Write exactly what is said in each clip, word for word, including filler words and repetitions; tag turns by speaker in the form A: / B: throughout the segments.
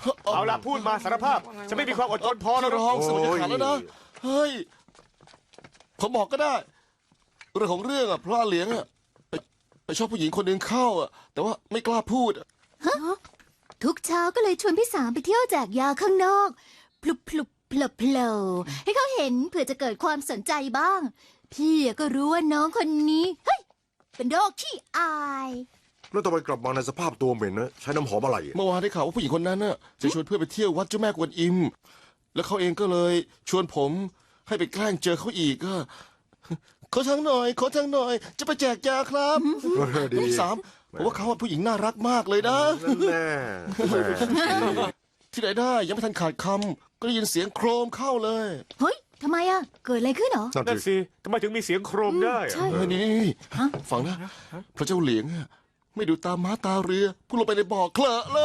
A: เอาละพูดมาสารภาพฉันไม่มีความอดทนพอแล้ว
B: ร้องสมัยขาดแล้วนะเฮ้ยผมบอกก็ได้เรื่องของเรื่องอ่ะพระเหลียงอ่ะไปไปชอบผู้หญิงคนหนึ่งเข้าอ่ะแต่ว่าไม่กล้าพูดอะ
C: ทุกเช้าก็เลยชวนพี่สามไปเที่ยวแจกยาข้างนอกพลุบพลุบเพลอเพลอให้เขาเห็นเผื่อจะเกิดความสนใจบ้าง พี่ก็รู้ว่าน้องคนนี้เฮ้ยเป็นโรคขี้อาย
D: แล้วทำไมกลับมาในสภาพตัวเหม็นนะใช้น้ำหอมอะไร
B: เมื่อวานได้ข่าวว่าผู้หญิงคนนั้นน่ะจะชวนเพื่อนไปเที่ยววัดเจ้าแม่กวนอิม แล้วเขาเองก็เลยชวนผมให้ไปแกล้งเจอเขาอีกก็ขอทางหน่อยขอทางหน่อย จะไปแจกยาครับ
D: ดี
B: พี่สามผมว่าเขาว่าผู้หญิงน่ารักมากเลยนะ
D: นั่นแน่แหม
B: ที่ไหนได้ยังไม่ทันขาดคำก็ได้ยินเสียงโครมเข้าเลย
C: เฮ้ยทำไมอะเกิดอะไรขึ้นเหรอ
D: นั่น
A: นั่น
D: สิ
A: สิทำไมถึงมีเสียงโครมได้
C: ใช่
B: เออนี่นี่ฟังนะพระเจ้าเหลียงอะไม่ดูตามม้าตาเรือพุ่งลงไปในบ่อเคลอะเลย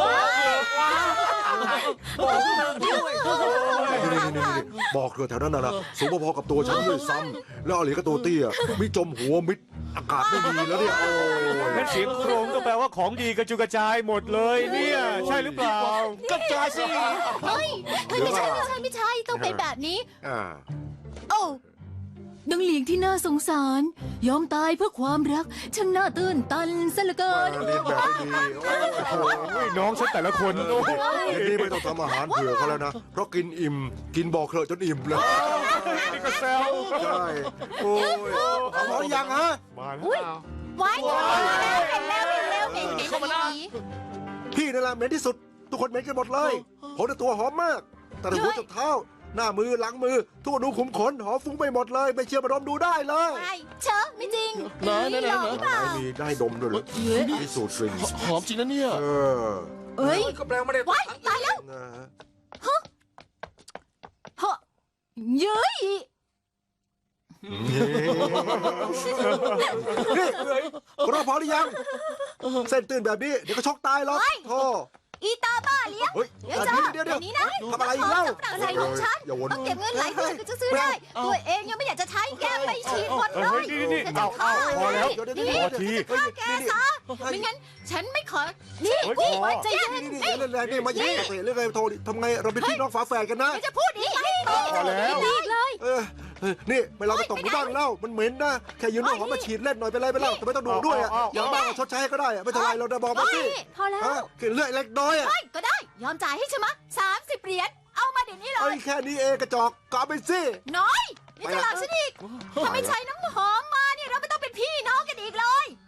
D: นี่นี่นี่บอกเธอแถวนั้นน่ะนะสูงพอๆกับตัวฉันด้วยซ้ำแล้วอลีก็ตัวเตี้ยมีจมหัวมิดอากาศไม่ดีแล้วเนี่ยโอ้ย
A: งั้นเสียงโครมก็แปลว่าของดีกระจุยกระจายหมดเลยเนี่ยใช่หรือเปล่า
B: กระจายสิ
C: เฮ้ยเฮ้ยไม่ใช่ไม่ใช่ไม่ใช่ต้องเป็นแบบนี้
D: อ่า
C: โอ้ดังเหลียงที่น่าสงสาร ยอมตายเพื่อความรักช่างน่าตื่นตันซะเหลือเกิน
D: เรียนแบบไม่ดีโอ้โห
A: โอ้ยน้องฉันแต่ละคนโอ้ย
D: เดี๋ยวนี้ไม่ต้องทำอาหารเผื่อเขาแล้วนะเพราะกินอิ่มกินบ่อเคลอะจนอิ่มเลย
A: นี่ก็แซว
D: ใช่โอ้ยเอาหมอยังฮะ
A: มาแล้ว
C: ไว้เห็นแล้วเห็นแล้วเห็นเห็นเข้ามาแล้ว
D: พี่นั่นแหละเหม็นที่สุด ทุกคนเหม็นกันหมดเลยผมในตัวหอมมากแต่หัวจนเท้า หน้ามือหลังมือทุกอนูขุมขนหอมฟุ้งไปหมดเลย ไม่เชื่อมาดมดูได้เลย
C: ไอ้เชอะไม่จริง
B: ไหนไหนไหน
C: หลอกหรือเปล่า
D: มีได้ดมด้วยเหรอมีสูตรกลิ่น
B: หอมจริงนะเนี่ย
D: เออ
C: เอ้ย
E: ก็แปลไม่ได้
C: ไว้ตายแล้ว
D: นะฮะ
C: เฮ้เย้ย
D: นี่รอพอหรือยัง เส้นตื่นแบบนี้เดี๋ยวก็ช็อกตายหรอกโธ่
C: อีตาบ้าเลี้ยง
D: เฮ้ย
C: เดี๋ยวจ้า
D: เดี๋ยวเดี๋ยว
C: นี้นะ
D: ทำอะไรอีกเล่า
C: กระใส่ของฉัน
D: อย่าวน
C: ต้องเก็บเงินหลายเดือนก็จะซื้อได้ ตัวเองยังไม่อยากจะใช้แก้ไปฉีดหมดเล
A: เฮ้ย
C: ย
A: นี่นี่
C: จะ
A: เอา
C: ฆ่า
A: เอาพอแล้ว
C: นี่
A: พอที
C: ฆ่าแกซะไม่งั้นฉันไม่ขอ นี่
A: เฮ้ย
C: นี่
A: พอ
C: ใจเย็น
D: นี่นี่เรื่องอะไรนี่มาแย่งเรื่องอะไรโทรทำไงเราเป็นพี่น้องฝาแฝดกันนะ
C: จะพูดอีกไม่
A: พอแล้ว
C: อีกเลย
D: เออเออนี่ไปเราไปตกบ้างเล่ามันเหม็นนะแค่ยืนน้ำหอมมาฉีดเล่นหน่อยไปเลยไปเล่าแต่ไม่ต้องดูด้วยอ่ะอย่างบ้างชดใช้ก็ได้อะไม่เท่าไรเราจะบอกมาสิ
C: พอแล้ว
D: ฮะแค่เลือดเล็กน้อยอ่ะ
C: ไม่ก็ได้ ยอมจ่ายให้ใช่ไหมสามสิบเหรียญ เอามาเดี๋ยวนี้เล
D: ไอ้
C: ย
D: แค่นี้เองกระจอกก็เอาไปสิ
C: น้อยนี่จะหลอกฉันอีกถ้าไม่ใช้น้ำหอมมาเนี่ยเราไม่ต้องเป็นพี่น้องกันอีกเลย